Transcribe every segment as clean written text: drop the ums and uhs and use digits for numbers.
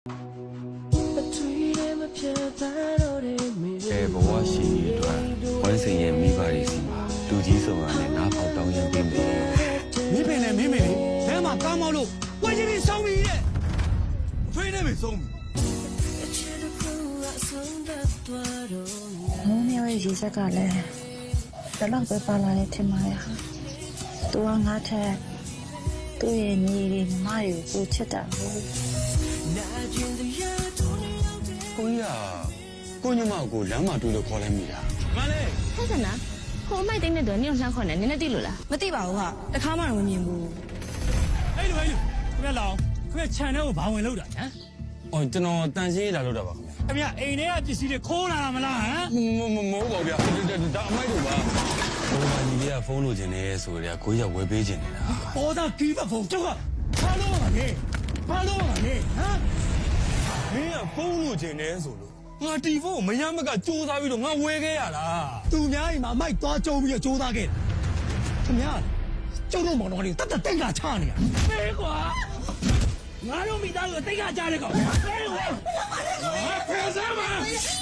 ဘဝရှိအတွက်ဝမ်းစင်ရဲ့မိဘတွေစီမှာလူကြီးဆောင်ကနေနားပေါက်တောင်းရင်ပြီးမယ်မင်းပင်နဲ့မင်းမေလေလမ်းမှာကားမောက်လို့ဝယ်ချင်းကြီးဆုံးပြီရဲ့ထွေးနေပြီဆုံးပြီမိုးမြော်ရဲ့ရေစက်ကလည်းတလောက်ပဲပါလာတယ်ထင်ပါရဲ့ဟာသူကငါထက်သူ့ရဲ့ညီတွေညီမတွေကိုချစ်တာလို့ကိုကြီးကကိုညမကိုလမ်းမှာတွေ့လို့ခေါ်လိုက်မိတာမလေးဆက်စနာကိုအမိုက်တင်းတဲ့တော့နင်းလှမ်းခေါ်နေနင်းနဲ့တိလို့လားမသိပါဘူးဟာတခါမှတော့မမြင်ဘူးအဲ့လိုခင်ဗျလောင်ခင်ဗျခြံထဲကိုဘာဝင်လို့တာဟမ်အော်ကျွန်တော်တန်ရှင်းလာလို့တာပါခင်ဗျအိမ်ထဲကပစ္စည်းတွေခိုးလာတာမလားဟမ်မဟုတ်ပါဗျာဒါအမိုက်တို့ပါဘိုးမကြီးကဖုန်းလိုချင်နေဆိုတော့ကိုကြီးကဝယ်ပေးချင်နေတာပေါ်သားကီးပါဖုန်းကျောက်ကဘာလို့ပါလဲဘာလို့ပါလဲဟမ်မင်းကဖုန်းလိုချင်နေဆိုလို့ငါတီဖုန်းမရမကစူးစမ်းပြီးတော့ငါဝယ်ခဲ့ရတာသူများအိမ်မှာမိုက်သွားကြုံပြီးတော့စူးစမ်းခဲ့တယ်ခင်ဗျာကျုပ်တို့မောင်တော်ကတတ်တက်ကချနေရဖေးကွာငါတို့မိသားစုတိတ်ကကြားတဲ့ကောင်ဖေးကွာဖေးစမ်းပါ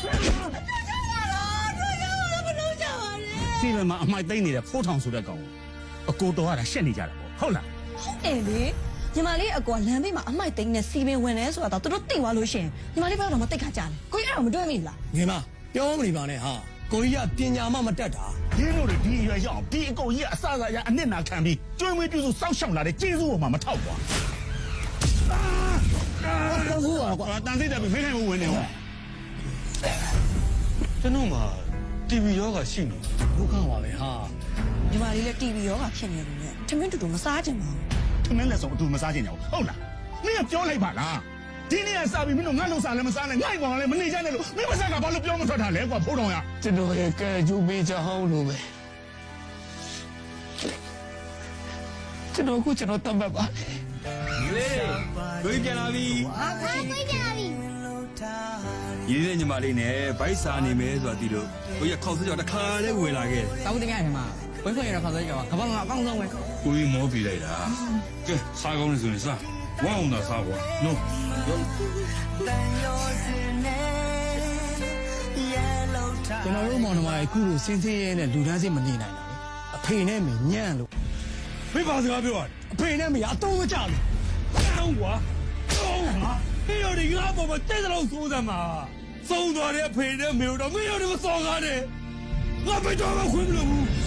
စီမံမှာအမိုက်သိမ့်နေတဲ့ဖိုးထောင်ဆိုတဲ့ကောင်အကိုတော်ကရှက်နေကြတာပေါ့ဟုတ်လားဟုတ်တယ်လေညီမလေးအကွာလမ်းဘေးမှာအမိုက်သိန်းနဲ့စီပင်ဝင်နေဆိုတာတော့သူတို့သိသွားလို့ရှင်ညီမလေးဘက်တော့မသိခါကြတယ်ကိုကြီးအဲ့တော့မတွေ့မိလားငယ်မပြောမနေပါနဲ့ဟာကိုကြီးကပညာမှမတတ်တာဒီလိုတွေဒီရွယ်ရောက်ဒီအကုန်ကြီးကအစအစရအနစ်နာခံပြီးကျွေးမွေးပြုစုစောက်ရှောက်လာတဲ့ကျေးဇူးပေါ်မှာမထောက်ကွာဟုတ်ပါကွာတန်စိတ်တယ်ပြီးဖိခိုင်မှုဝင်နေဟောကျွန်တော်မှာ TV ရောဂါရှိနေဒုက္ခပါပဲဟာညီမလေးလည်း TV ရောဂါဖြစ်နေတယ်နဲ့ထမင်းတူတူမစားကြပါဘူးထမင်းလက်စုံအတူမစားကြင်ကြဘူးဟုတ်လားမင်းကပြောလိုက်ပါလားဒီနေ့ကစားပြီးမင်းတို့ငါ့လုံစားလည်းမစားနဲ့ငါ့ကောင်လည်းမနေကြနဲ့လို့မင်းမစားကဘာလို့ပြောမထွက်တာလဲကွာဖိုးတော်ရကျွန်တော်ရဲ့ကဲကျူပေးချောင်းလို့ပဲကျွန်တော်တတ်မှတ်ပါလေကိုကြီးပြန်လာပြီဟာကိုကြီးပြန်လာပြီရည်ရည်ညီမလေးနဲ့ဗိုက်စာနေမယ်ဆိုတာဒီလိုကိုကြီးခေါက်စကြောတခါလေးဝင်လာခဲ့တောင်းတင်ရတယ်မှာဝိခွင့်ရတဲ့ခေါက်စကြောကဘာမှအကောင်းဆုံးပဲကိုကြီးမောပြလိုက်တာကဲစားကောင်းနေဆိုရင်စားဝမ်းအောင်သာစားပါနော်ကျွန်တော်တို့မောင်နှမရဲ့အခုလိုစင်းစင်းရဲနဲ့လူတန်းစိတ်မနေနိုင်တာလေအဖေနဲ့မညံ့လို့ဖေးပါစကားပြောရတယ်အဖေနဲ့မရအတော့မကြလို့တောင်းကွာတောင်းဟာဖေးရဒီငါပေါ်မှာတဲ့တဲ့လို့စိုးစမ်းမှာသုံးသွားတဲ့အဖေနဲ့မေတို့တော့မင်းတို့မစော်ကားနဲ့ငါဖေးတော့မခွင့်မလို့ဘူး